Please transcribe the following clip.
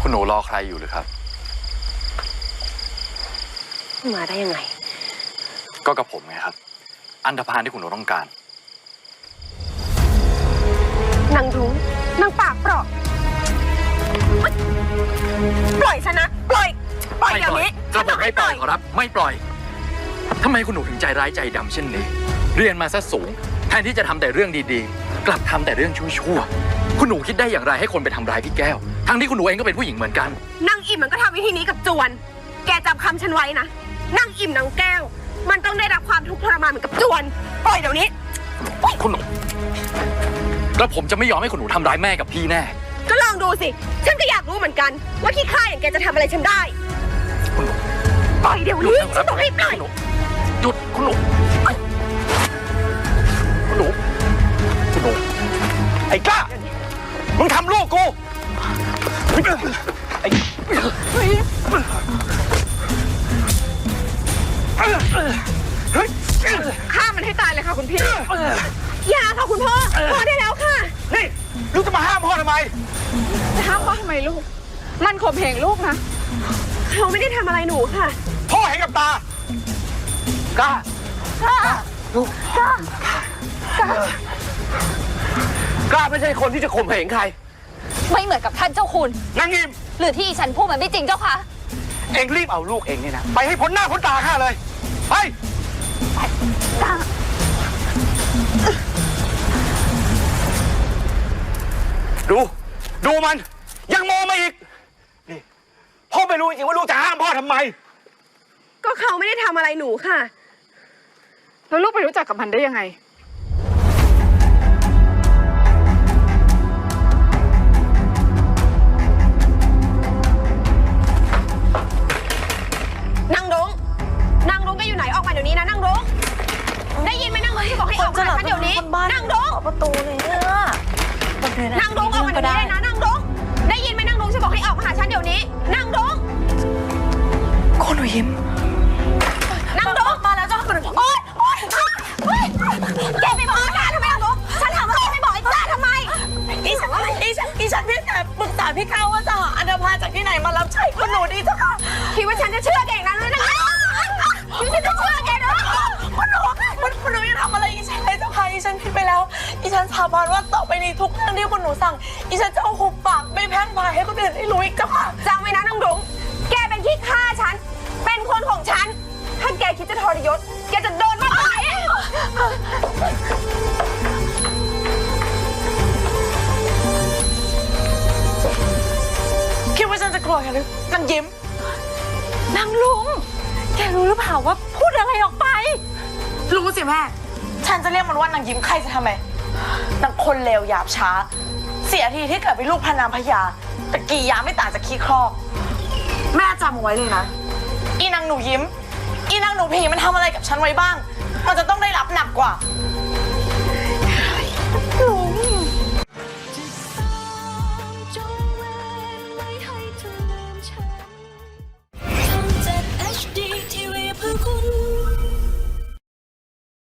คุณหนูรอใครอยู่หรือครับมาได้ยังไงก็กับผมไงครับอันธพาลที่คุณหนูต้องการนางรุ้งนางปากเปราะปล่อยฉันนะปล่อยเดี๋ยวนี้จะบอกให้ปล่อยขอรับไม่ปล่อยทำไมคุณหนูถึงใจร้ายใจดำเช่นนี้เรียนมาซะสูงแทนที่จะทำแต่เรื่องดีๆกลับทำแต่เรื่องชั่วๆคุณหนูคิดได้อย่างไรให้คนไปทำร้ายพี่แก้วทั้งที่คุณหนูเองก็เป็นผู้หญิงเหมือนกันนางอิ่มมันก็ทำวิธีนี้กับจวนแกจำคำฉันไว้นะนางอิ่มนางแก้วมันต้องได้รับความทุกข์ทรมานเหมือนกับจวนปล่อยเดี๋ยวนี้คุณหนูแล้วผมจะไม่ยอมให้คุณหนูทำร้ายแม่กับพี่แน่ก็ลองดูสิฉันก็อยากรู้เหมือนกันว่าขี้ข้าอย่างแกจะทำอะไรฉันได้คุณหนูปล่อยเดี๋ยวนี้ฉันบอกให้ปล่อยหยุดคุณหนูคุณหนูไอ้กล้ามึงทำลูกกูไอ้ฆ่ามันให้ตายเลยค่ะคุณพี่อย่าค่ะคุณพ่อพอได้แล้วค่ะนี่ลูกจะมาห้ามพ่อทำไมจะห้ามพ่อทำไมลูกมันข่มเหงลูกนะเขาไม่ได้ทำอะไรหนูค่ะพ่อเห็นกับตากล้าลูกกล้าไม่ใช่คนที่จะข่มเหงใครไม่เหมือนกับท่านเจ้าคุณนางงิมหรือที่ฉันพูดมันไม่จริงเจ้าค่ะเอ็งรีบเอาลูกเอ็งเนี่ยนะไปให้พ้นหน้าพ้นตาข้าเลยไปดูมันยังโมมาอีกนี่พ่อไม่รู้จริงว่าลูกจะห้ามพ่อทำไมก็เขาไม่ได้ทำอะไรหนูค่ะแล้วลูกไปรู้จักกับมันได้ยังไงนางรุ้งแกอยู่ไหนออกมาเดี๋ยวนี้นะนางรุ้งได้ยินไหมนางรุ้งที่บอกให้ออกมาฉันเดี๋ยวนี้นางรุ้งประตูเลยเนี่ยนางรุ้งออกมาเดี๋ยวนี้เลยนะนางรุ้งได้ยินไหมนางรุ้งฉันบอกให้ออกมาหาฉันเดี๋ยวนี้นางรุ้งคุณหนูยิ้มนางรุ้งมาแล้วเจ้าคุณโอ๊ยแกไปบอกจ้าทำไมนางรุ้งฉันถามว่าแกไปบอกไอ้จ้าทำไมอีฉันเพียงแต่ปรึกษาพี่เขาว่าจะหาอันธพาลจากที่ไหนมารับใช้คุณหนูดีเจ้าค่ะคิดว่าฉันจะเชื่อแกนั้นเลยนะคิดว่าฉันจะเชื่อแกนะคุณหนูยังทำอะไรอีฉันเลยเจ้าค่ะอีฉันผิดไปแล้วอีฉันสาบานว่าต่อไปนี้ทุกเรื่องที่คุณหนูสั่งอีฉันจะเอาหุบปากไม่แพร่งพายให้คนอื่นได้รู้อีกเจ้าค่ะจำไว้นะนางรุ้งแกเป็นขี้ข้าฉันเป็นคนของฉันถ้าแกคิดจะทรยศแกจะโดนมากกว่านี้คิดว่าฉันจะกลัวแกหรือนางยิ้มนางลุงแกรู้หรือเปล่าว่าพูดอะไรออกไปรู้สิแม่ฉันจะเรียกมันว่านางยิ้มใครจะทำไมนางคนเลวหยาบช้าเสียทีที่เกิดเป็นลูกพระนางพญาแต่กี่ยามไม่ต่างจากขี้ครอบแม่จำเอาไว้เลยนะอีนางหนูยิ้มอีนางหนูผีมันทำอะไรกับฉันไว้บ้างมันจะต้องได้รับหนักกว่า